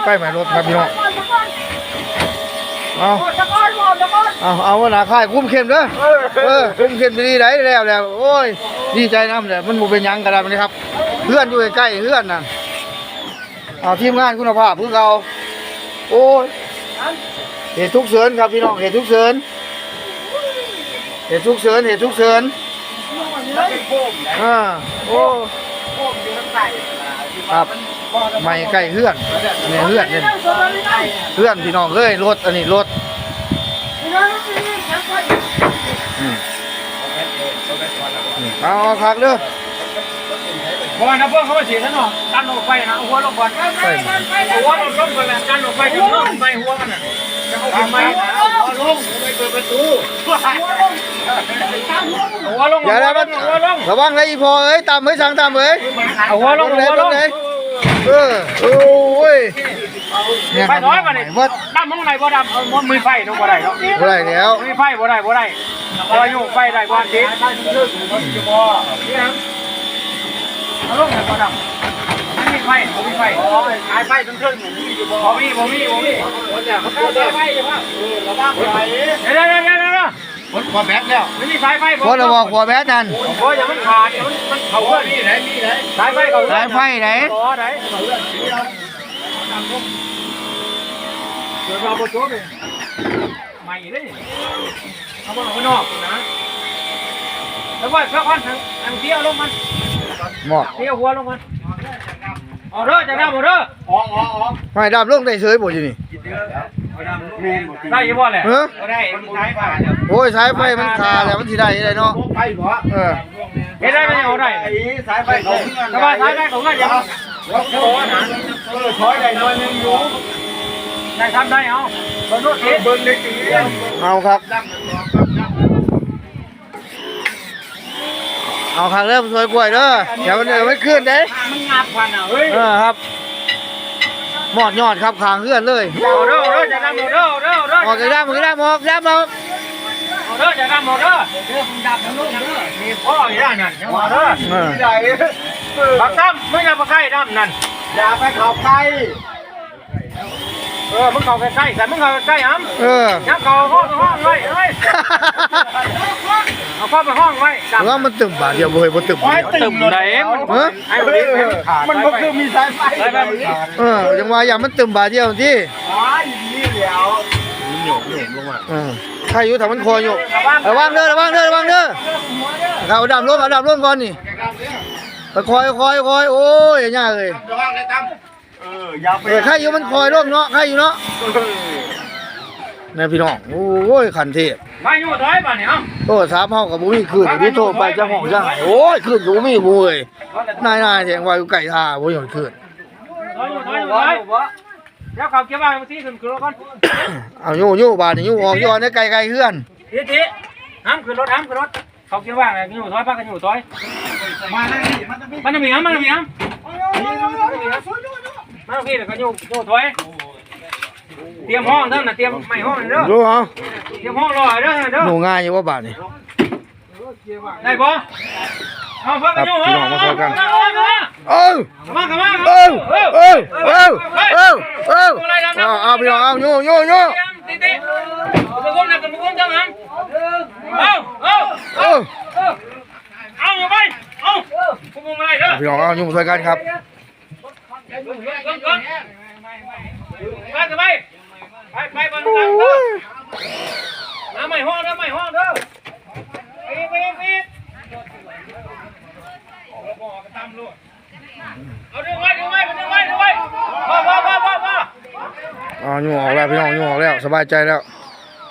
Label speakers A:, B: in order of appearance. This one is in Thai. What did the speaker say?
A: ล้ๆหมายรถครับพี่น้องเอาหน้าค่ายคุ้มเข้มเด้อคุ้มเข้มดีได้แล้วโอ้ยดีใจน้ำเลยมันบ่เป็นยังกันแล้วนี่ครับเพื่อนอยู่ใกล้ๆเพื่อนน่ะเอาทีมงานคุณภาพเพื่อเราโอ้ยเหตุทุกเสริญครับพี่น้องเหตุทุกเสริญเหตุทุกเสริญโอ้ครับไม่ใกล้เพื่อนเนี่ยเพื่อนเนี่ยเพื่อนพี่น้องเอ้ยรถอันนี้รถเอาคักเด้อ
B: พอนะพวกเขาเสียท่านหรอดันออกไปนะหัวลงก่อนหัวลงก่อนแล้วดันออกไปถึงลงไปหัวมันน่ะจะเอาทำไมหัวลงไปเปิดประตูหัวลง
A: อย่าได้มันระวังเลยอีพอเอ้ยตามเอ้ยสั่งตามเอ้ย
B: เอาหัวลง
A: เลยโอ้ย
B: ไฟน้อยมาเนี่ยดำมองไหนบ่ดำมันมีไฟต้องบ่ได้เนาะ
A: บ่ได้แล้ว
B: มีไฟบ่ได้พออยู่ไฟได้กว่าทีเอาลงเลยบ่ดำไม่มีไฟขายไฟจนเครื่องบ่มีไฟเลยว่าระวังไฟเดี๋ยวขวาแบตแล้วไม่มีสายไฟ
A: พอเราบอกขวาแบตนั่น
B: พออย่ามันขาดมันเข่าเพื่อนมีไหนสายไฟเข่า
A: สายไฟไหน
B: เดี๋ยวเราไปโจ้เลยใหม่เลยเอามาข้างนอกนะแล้วว่าสักวันอันเที่ยวลงมันเที่ยวหัวลงมันเอาเด้อจะดำเอาเด้อ
A: ไม่ดำลงได้เฉยบ่อยู่นี่
B: ได้ยี่บ่แหละได้สายไฟ
A: โอ้ยสายไฟมันขาดแล้วมันสิได้ได้เนาะ
B: ไฟบ่เฮ็ดได้ไม่เอาได้สายไฟเขาแต่ว่าสายไฟของก็ยังถอยได้น้อยนึงอยู่ได้ทำได้เอาเบิ่งรถเบิ่งเล็ก
A: เอาครับเอาครั้งเริ่มสวยกล้วยเด้อเดี๋ยวมันไม่ขึ้นเด้
B: มันงับพันอ่ะเฮ้ย
A: ครับหมอดยอดครับขางเลื่อนเลย
B: เด้อจะดำเด้อ
A: ออกจะดำออก
B: เด้อจะดำเด้อดำลูกเด้อมีพ่ออยู่ด้านนั้นยังว่าเด้อใหญ่ปักซ้ำไม่อย่าไปใกล้ดำนั่นอย่าไปเข้าใกล้มึงเข้าใกล้แต่มึงเข้าใกล้อ้ำยังเข้าห้องไว้เอาเข้าไปห้องไว้
A: ว่ามันตึมบาดเดียวบ่ตึม
B: ไหนมันก็คือมีสายไฟ
A: ยังว่าอย่างมันตึมบาดเดียวที่
B: นี่เดี๋ยว
A: หยกลงมาใครอยู่ทางมันคอยอยู่ระวังเด้อเอาดำลงก่อนนี่คอยโอ้ยยากเลยใครอยู่มันคอยลงเนาะใครอยู่เนาะนี่พี่น้องโอ้ยขันเทพ
B: มาอยู่ถอยป่ะเนี่ย
A: โอ้สามห้องกับบุ้มีขึ้นที่โทรไปจะห้องจะหายโอ้ยขึ้นบุ้มีบุ้ยนายแทงวาอยู่ไก่ท่าบุ้ยขึ้น
B: แล้วเขาเก็บไว้บางทีขึ้นรถก่อน
A: เอายู่บาดนี่ยู่ออกยู่ในไก่เฮือน
B: ทีห้ามขึ้นรถเขาเก็บไว้อยู่ถอยพักกันอยู่ถอยมันจะมีห้ามพี่เดี๋ยวก็อยู่ถอยเตรียมห้องเด้อนะเตรียมไม่ห้องเด้อ
A: รู้เหรอ
B: เตรียมห้องรอเด้อ
A: หนูง่ายอยู่ว่าบาทนี่
B: ได้ปะเอาเพิ่มกันอยู่
A: พี่น้องมาคุยกัน
B: มา
A: เอาพี่น้องเอายู่
B: ติมาก้มนะกันมาก้มจังหันเอาอยู่ไปเอาคุณมึงอะไรเด้อ
A: พี่น้องเอายู่มาคุยกันครับ
B: ไปบนหลังเด้อน้ำไม่ห้องเด้อไปเอาดึงไว้พ่อ
A: ยู่ออกแล้วพี่น้องยู่ออกแล้วสบายใจแล้ว